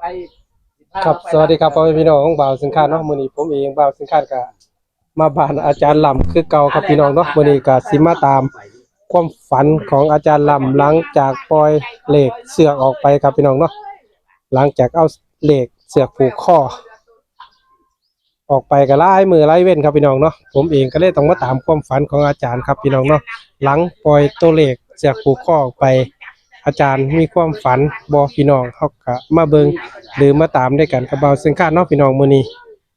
ครับสวัสดีครับพ่อแม่พี่น้องของบ่าวสินค้าเนาะมื้อนี้ผมเองบ่าวสินค้าก็มาบ้านอาจารย์ลำคือเก่าครับพี่น้องเนาะมื้อนี้ก็สิมาตามความฝันของอาจารย์ลำหลังจากปล่อยเหล็กเสือกออกไปครับพี่น้องเนาะหลังจากเอาเหล็กเสือกผูกคอออกไปก็หลายมื้อหลายเว้นครับพี่น้องเนาะผมเองก็เลยต้องมาตามความฝันของอาจารย์ครับพี่น้องเนาะหลังปล่อยตัวเหล็กเสือกผูกคอออกไปอาจารย์มีความฝันบ่พี่น้องเฮาก็มาเบิ่งหรือมาตามด้วยกันกับบ่าวสินค้าเนาะพี่น้องมื้อนี้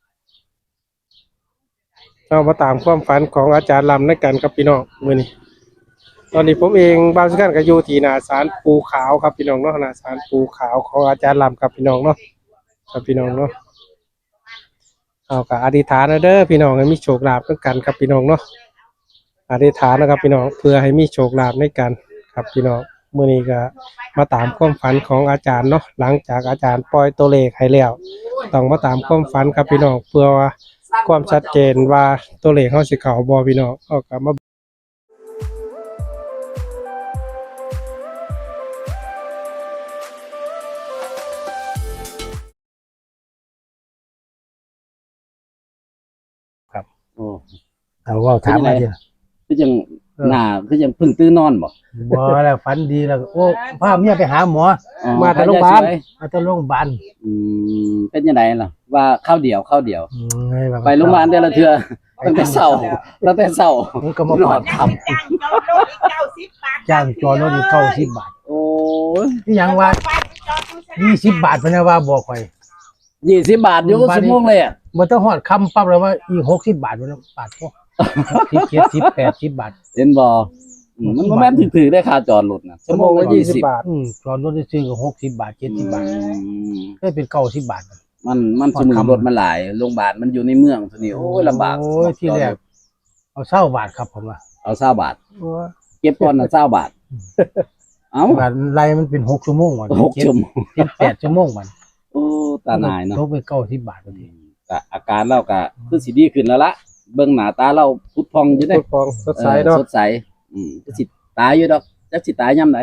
เรามาตามความฝันของอาจารย์ลำด้วยกันครับพี่น้องมื้อนี้ตอนนี้ผมเองบ่าวสินค้าก็อยู่ที่หน้าศาลปูขาวครับพี่น้องเนาะหน้าศาลปูขาวของอาจารย์ลำครับพี่น้องเนาะครับพี่น้องเนาะเอาก็อธิษฐานเด้อพี่น้องให้มีโชคลาภด้วยกันครับพี่น้องเนาะอธิษฐานนะครับพี่น้องเพื่อให้มีโชคลาภในกันครับพี่น้องมื้อนี้ก็มาตามความฝันของอาจารย์เนาะหลังจากอาจารย์ปล่อยตัวเลขให้แล้วต้องมาตามความฝันครับพี่น้องเพื่อว่าความชัดเจนว่าตัวเลขเฮาสิเข้าบ่พี่น้องเอาก็มาครับโอ้เอาว่าถามมาดิคือจังหน้าคือจังเพิ่งตื่นนอนบ่บ่แล้วฝันดีแล้วโอ้พาเมียไปหาหมอมาแต่โรงพยาบาลเป็นยังไงล่ะว่าข้าวเดียวไปโรงพยาบาลแต่ละเทื่อตั้งแต่เช้ามันก็มาปอดทำจ้างจอรถอยู่90 บาทโอ้ยที่ยังว่า20 บาทเพิ่นว่าบอกข่อย 20 บาทอยู่ชั่วโมงเลยอ่ะบ่ต้องฮอดคำปั๊บแล้วว่าอีก60 บาทบ่บาทพอ10 70 80 บาทเห็นบ่มันบ่แม่นถือได้ค่าจอดรถน่ะชั่วโมงละ20 บาทจอดรถซื้อก็60 บาท70 บาทเคยเป็น90 บาทมันสมุนรถมันหลายโรงพยาบาลมันอยู่ในเมืองทีนี้โอ้ยลำบากโอ้ยที่แรกเอา20 บาทครับผมว่าเอา20 บาทเก็บก่อนน่ะ20 บาทเอ้าบาทไล่มันเป็น6ชั่วโมงว่ะ 6ชั่วโมง 8ชั่วโมงมันโอ้ตาหนายเนาะตกไป90 บาทพอดีก็อาการเราก็คือสิดีขึ้นแล้วล่ะเบิ่งหน้าตาเราพุดพองอยู่เด้พุดพองสดใสเนาะสดใสก็สิตายอยู่ดอกจักสิตายยามใด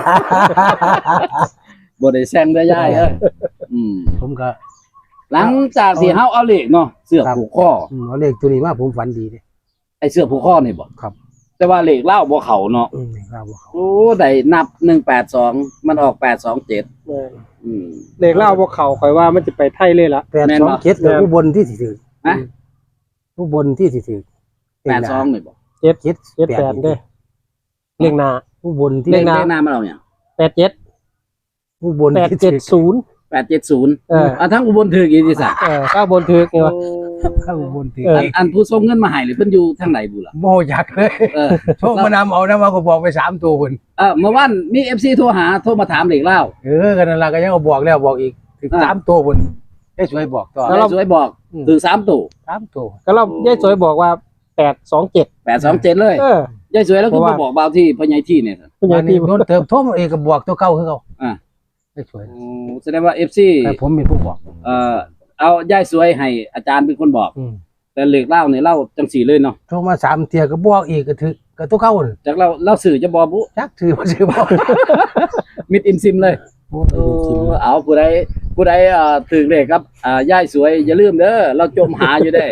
บ่ได้แซงได้ยายผมก็หลังจากที่เฮาเอาเลขเนาะเสื้อผูกคอเอาเลขตัวนี้มาผมฝันดีเด้ไอ้เสื้อผูกคอนี่บ่ครับแต่ว่าเลขเล่าบ่เข้าเนาะเลขเล่าบ่เข้าโอ้ได้นับ182มันออก827 เลขเล่าบ่เข้าข่อยว่ามันจะไปไทยเลยล่ะ 827แล้วอุบลที่สิถือฮะอุบลที่สิถือ 82นี่บ่ 78เด้เลขหน้าอุบลที่เลขหน้ามาเอาหยัง 87 อุบล 870ทั้งอุบลถืออีที่ซะถ้าบนถือนี่ว่าถ้าอุบลถืออันผู้ส่งเงินมาให้หรือเพิ่นอยู่ทางไหนบุล่ะบ่อยากเลยโทรมานำเอานะว่าก็บอกไป3ตัวพุ่นเมื่อวานมี FC โทรมาถามเลขเล่ากันนั่นล่ะก็ยังบอกแล้วบอกอีกถึง3ตัวพุ่นได้สวยบอกต่อได้สวยบอกถึง3ตัวก็เรายายสวยบอกว่า827 เลยยายสวยแล้วก็บอกบ่าวที่พ่อใหญ่ที่เนี่ยพ่อใหญ่ที่โดนเติมโทรมาเองก็บอกตัวเก่าคือเขายายสวยแสดงว่า FC แต่ผมเป็นผู้บอกเอายายสวยให้อาจารย์เป็นคนบอกแต่เลขเล่าเนี่ยเล่าจังสี่เลยเนาะโทรมา3เที่ยก็บอกอีกก็ถือก็ตัวเก่าจากเราสื่อจะบอกบุจักถือบ่ถือบ่มิดอิมซิมเลยเอาผู้ใดถึงเลขครับยายสวยอย่าลืมเด้อเราจมหาอยู่ได้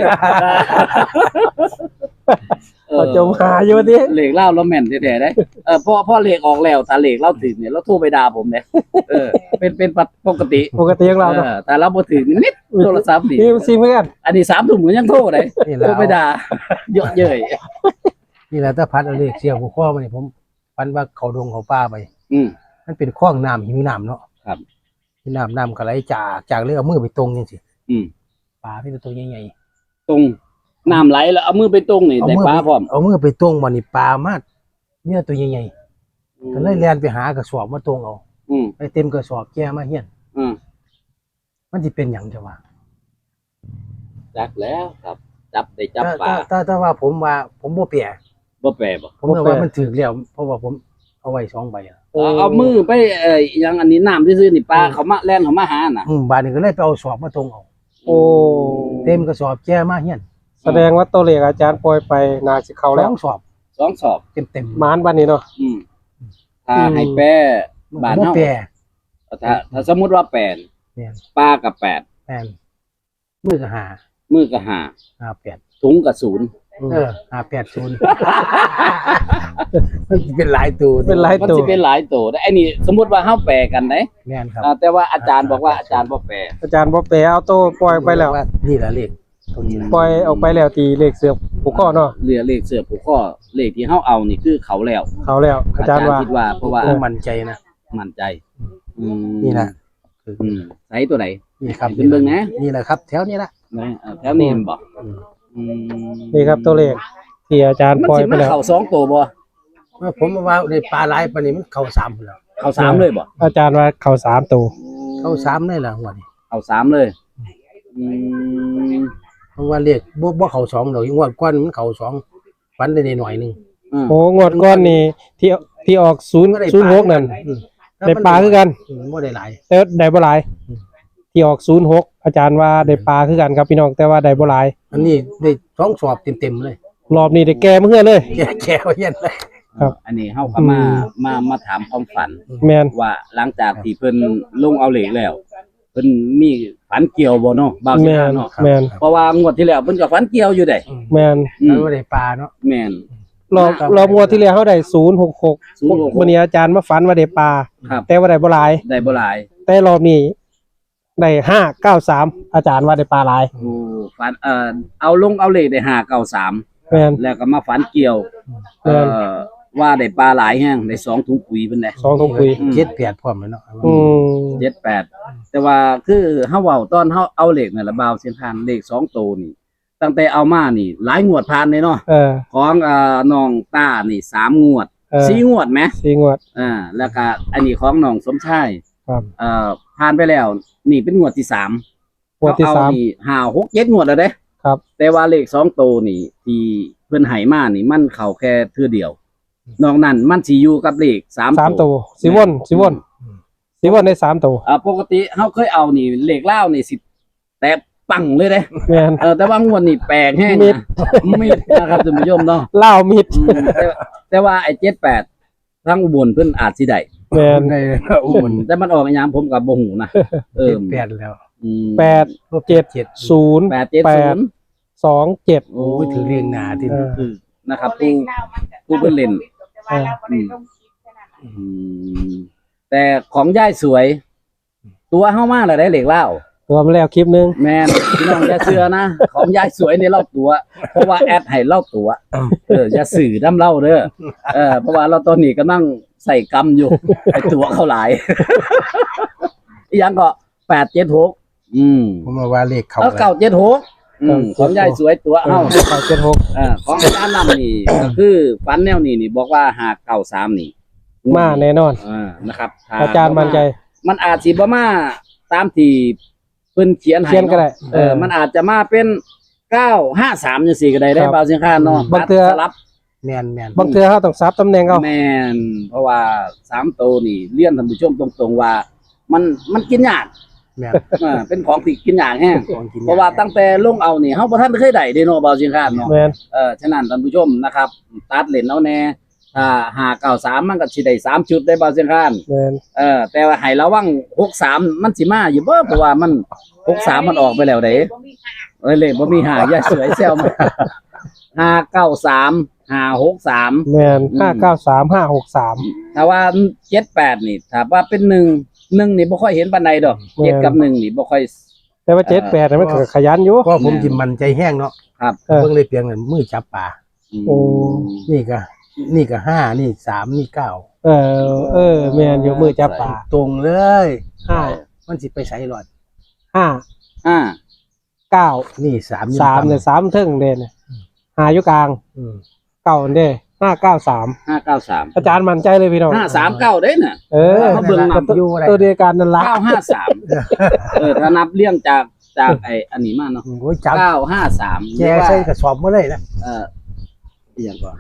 จมหาอยู่ดิเลขเล่าเราแม่นแท้ๆได้พ่อเลขออกแล้วแต่เลขเล่าถึงเนี่ยเราโทรไปด่าผมเนี่ยเป็นปกติของเราแต่เราบ่ถึงนิดโทรศัพท์ดิซิมเหมือนกันอันนี้3 ทุ่มก็ยังโทรได้โทรไปด่าเยอะเย้ยนี่แหละถ้าพัดเอาเลขเสียหัวข้อมานี่ผมฝันว่าเขาดงเขาป่าไปมันเป็นคลองน้ำหิวน้ำเนาะครับหิวน้ำก็ไหลจากเลยเอามือไปตรงจังซี่ปลาเป็นตัวใหญ่ๆตรงน้ำไหลแล้วเอามือไปตรงนี่ได้ปลาพร้อมเอามือไปตรงบ่นี่ปลามาเนี่ยตัวใหญ่ๆก็เลยแล่นไปหากระสอบมาตรงเอาไปเต็มกระสอบแก่มาเฮียนมันสิเป็นหยังจังว่าจักแล้วครับจับได้จับปลาถ้าว่าผมบ่แปรบ่ผมว่ามันถึกแล้วเพราะว่าผมเอาไว้2ใบเอามือไปยังอันนี้น้ำซื่อๆนี่ปลาเขามาแล่นเขามาหาน่ะบาดนี้ก็เลยไปเอาสอบมาตรงเอาเต็มกระสอบแก่มาเฮียนแสดงว่าตัวเลขอาจารย์ปล่อยไปน่าสิเข้าแล้ว 2 สอบเต็มมานบัดนี้เนาะถ้าให้แปรบ้านเฮาถ้าสมมุติว่าแปรแม่นปลากับแปดแม่นมือก็หามือกับห้า 58 ถุงกับศูนย์ 580มันเป็นหลายตัวเป็นหลายมันตัวสิเป็นหลายตัวได้ไอ้นี่สมมุติว่าเฮาแปลกันได้แม่นครับแต่ว่าอาจารย์บอกว่าอาจารย์บ่แปลอาจารย์บ่แปลเอาโตปล่อยไปแล้วานี่แหละเลขตัวนี้นะปล่อยออกไปแล้วตีเลขเสือกผูกข้อเนาะเรือเลขเสือผูกข้อเลขที่เฮาเอานี่คือเขาแล้วเขาแล้วอาจารย์ว่าคิดว่าเพราะว่าผมมั่นใจนะมั่นใจมนี่นะใส่ตัวไหนนี่ครับเป็นเบิ่งนะนี่แหละครับ แถวนี้ละแถวนี้มันบอกนี่ครับตัวเลขที่อาจารย์มันปล่อยสิไปมาแล้วเข้า2ตัวบ่เมื่อผมว่าในปลาหลายปานนี้มันเข้า3พุ่นแล้วเข้า3เลยบ่อาจารย์ว่าเขา3ตัวเข้า3เลยล่ะหัวนี่เข้า3เลยอืมเพราะว่าเลขบ่เข้า2ดอกงวดก่อนมันเข้า2ฝันได้หน่อยนึงอืมโอ้งวดก้อนนี่ที่ออก006นั่นได้ปลาคือกันบ่ได้หลายแต่ได้บ่หลายที่ออก06อาจารย์ว่าได้ปลาคือกันครับพี่น้องแต่ว่าได้บ่หลายอันนี้ได้2สอบเต็มๆเลยรอบนี้ได้แก่มาเฮือเลยแก่ว่าเย็นเลยครับอันนี้เฮาก็มาถามความฝันแม่นว่าหลังจากที่เพิ่นลงเอาเหล็กแล้วเพิ่นมีฝันเกี่ยวบ่เนาะบ่าวสิแม่มาน เนาะแม่นเพราะว่างวดที่แล้วเพิ่นก็ฝันเกี่ยวอยู่ได้แม่นแล้วบ่ได้ปลาเนาะแม่นรอบงวดที่แล้วเฮาได้066 066 วันนี้อาจารย์มาฝันว่าได้ปลาครับแต่ว่าได้บ่หลายได้บ่หลายแต่รอบนี้ได้593อาจารย์ว่าได้ปลาหลายโอ้ฝันเอาลงเอาเหล็กได้593 แม่นแล้วก็มาฝันเกี่ยวแม่นว่าได้ปลาหลายแฮงได้2ถุงปุ๋ยเพิ่นได้ 2ถุงคุย 7-8พร้อมเลยเนาะ 78แต่ว่าคือเฮาเว้าตอนเฮาเอาเหล็กนั่นละบ่าวเสียงทานเลข2ตัวนี่ตั้งแต่เอามานี่หลายงวดผ่านเลยเนาะเออของน้องต้านี่3งวดเออ 4งวดไหม 4งวดแล้วก็อันนี้ของน้องสมชายครับผ่านไปแล้ว นี่เป็นงวดที่3 งวดที่เอสามนี่5 6 7งวดแล้วเด้ครับแต่ว่าเลข2ตัวนี่ที่เพิ่นให้มานี่มันเข้าแค่เทื่อเดียวนอกนั้นมันสิอยู่กับเลข3 3ตัวสิวนได้3ตัวปกติเฮาเคยเอานี่เลขลาวนี่สิแต่ปังเลยเด้แม่นแต่ว่างวดนี่แปลกแฮงมิดนะมิดนะครับท่านผู้ชมเนาะลาวมิดแต่ว่าไอ้78ทั้งอุบลเพิ่นอาจสิได้แม่นได้อุ่นแต่มันออกอีหยังผมก็บ่ฮู้นะ 8แล้ว 8 7 0 870 2 7 โอ้ยถือเรียงหนาที่คือนะครับผู้เพิ่นเล่น แต่ของย่ายสวย ตัวเฮามาแล้วได้เหล็กเล่าตัวมาแล้วคลิปนึงแม่นพี่น้องอย่าเชื่อนะ ของย่ายสวยในเล่าตัว เพราะว่าแอดให้เล่าตัวอย่าสื่อน้ำเล่าเด้อเพราะว่าเราตอนนี้กำลังใส่กรรมอยู่ ไอตัวเขาหลาย อีหยังก็876 ผมว่าเลขเขาแล้ว976ของย่ายสวยตัวเฮา 976 ของอาจารย์นำนี่ก็คือฟันแนวนี้นี่บอกว่า593นี่มาแน่นอนนะครับถ้อาจารย์มั่นใจมันอาจสิบ่มาตามที่เพิ่นเขียนให้เขียนก็ได้มันอาจจะมาเป็น953จังซี่ก็ได้ได้ครับบ่าวเสียงคานเนาะบางเทื่อสลับแม่นบางเทื่อเฮาต้องซับตำแหน่งเอาแม่นเพราะว่า3ตัวนี่เรียนท่านผู้ชมตรงๆว่า มันกินยากแม่นเป็นของที่กินยากแฮงของกินเพราะว่าตั้งแต่ลงเอานี่เฮาบ่ทันเคยได้เด้เนาะบ่าวเสียงคานเนาะแม่นฉะนั้นท่านผู้ชมนะครับ ตัดเล่นเอาแน่ถ้า593มันก็สิได้3ชุดได้บ่าวเสียงคานแม่นแต่ว่าให้ระวัง63มันสิมาอยู่บ่เพราะว่ามัน63มันออกไปแล้วเด้เลขบ่มี5อย่าสวยแซวมา593 563 แม่น593 563 ถ้าว่า78นี่ถ้าว่าเป็น1นี่บ่ค่อยเห็นปานใดดอก7กับ1นี่บ่ค่อยแต่ว่า78น่ะมันก็ขยันอยู่ก็ผมจิมันใจแห้งเนาะครับเออเบิ่งเลยเพียงนั้นมือจับปลาโอ้นี่ก็5นี่3นี่9 แม่นอยู่มือจับปลาตรงเลย 5 มันสิไปใส่หลอด 5 5 9 นี่3 3เนี่ย3เทิงเด้เนี่ย5อยู่กลาง9เด้593 593 อาจารย์มั่นใจเลยพี่น้อง 539เด้น่ะเขาเบิ่งนำอยู่อะไรตัวเดียวกันนั่นล่ะ 953ถ้านับเรียงจากไอ้อันนี้มาเนาะโอ้ยจับ 953 แกใส่กระสอบมาเลยนะอีหยังก็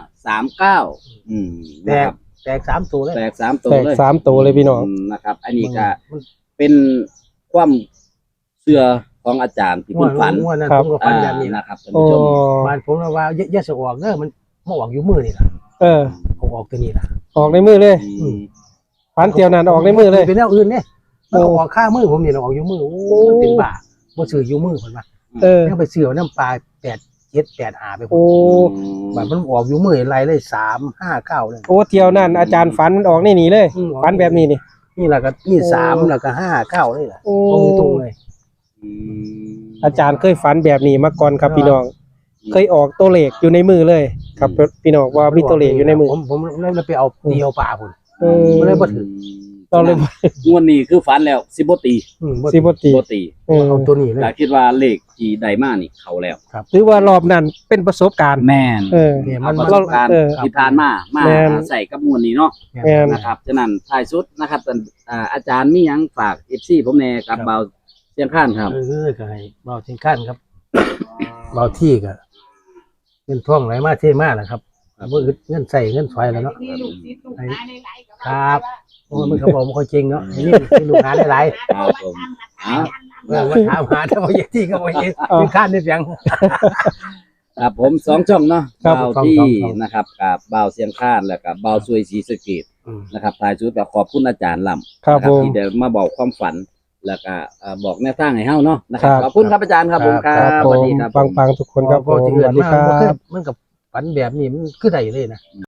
539นะครับแตก3ตัวเลยแตก3ตัวแตกเลย 3ตัวเลยพี่น้องนะครับ อันนี้ก็เป็นความเชื่อของอาจารย์ที่เพิ่นฝันม่วนนั้นผมก็ฝันแบบนี้นะนะครับท่านโอ้ผู้ชมบ้านผมว่าอย่าสะออกเด้อมันมาออกอยู่มือนี่ล่ะอออกตัวนี้ล่ะออกในมือเลยฝันเตียวนั้นออกในมือเลยเป็นแนวอื่นเนี่ยมันก็ออกค่ามือผมนี่เราออกอยู่มือโอ้มันเป็นบ้าบ่ซื้ออยู่มือเพิ่นว่า ยังไปซื้อน้ำปลา8 7 8 5ไปพุ่โอ้นบัดมันออกอยู่มือไรเลย3 5 9เลยโอ้เที่ยวนั่นอาจารย์ฝันมันออกนี่เลยฝันแบบนี้นี่นี่แหละก็นี่3แล้วก็5 9นี่แหละโอ้ตรงเลยอาจารย์เคยฝันแบบนี้มาก่อนครับพี่น้อง เคยออกตัวเลขอยู่ในมือเลย ครับพี่น้องว่ามีตัวเลขอยู่ในมือผมเลยไปเอาเดียวปลาพุ่นมันเลยบ่ถึงตอนเลยงวดนี้คือฝันแล้วสิบ่ตีสิบ่ตีบ่ตีเอาตัวนี้เลยแต่คิดว่าเลขที่ได้มานี่เข้าแล้วหรือว่ารอบนั้นเป็นประสบการณ์แม่นเนี่ยเอามันประสบการณ์เออที่ผ่านมาแม่นใส่กับมวลนี้เนาะแม่นนะครับฉะนั้นท้ายสุดนะครับอาจารย์มีหยังฝาก FC ผมแน่กับเบาเสียงข้านครับก็ให้เบาทิ้งขั้นครับเบาที่ก็เงินท่องไหลมาเท่มากนะครับบ่อึดเงินใส่เงินถอยแล้วเนาะมีลูกศิษย์ลูกหาหลายๆก็ครับ โอ้มันก็บอกบ่ค่อยเก่งเนาะไอ้นี่มีลูกหาหลายครับผมอ่ะๆมาถามหาแต่ว่าอย่างที่ก็บ่เห็นทิ้งขั้นได้เพียงครับผม2ช่องเนาะครับเบาที่ช่องนะครับกับเบาเสียงข้านแล้วก็เบาซวยศรีสะเกษนะครับท้ายสุดก็ขอบคุณอาจารย์ลำครับนะผมที่เดี๋ยวมาบอกความฝันแล้วก็บอกแนวทางให้เฮาเนาะนะครับครับขอบคุณครับอาจารย์ครับผมครัครับบผสวัสมดีครับปังๆทุกคนครับผมที่สเกิวัดสดีมาครัมันบมันกับฝันแบบนี้มันคือได้เลยนะ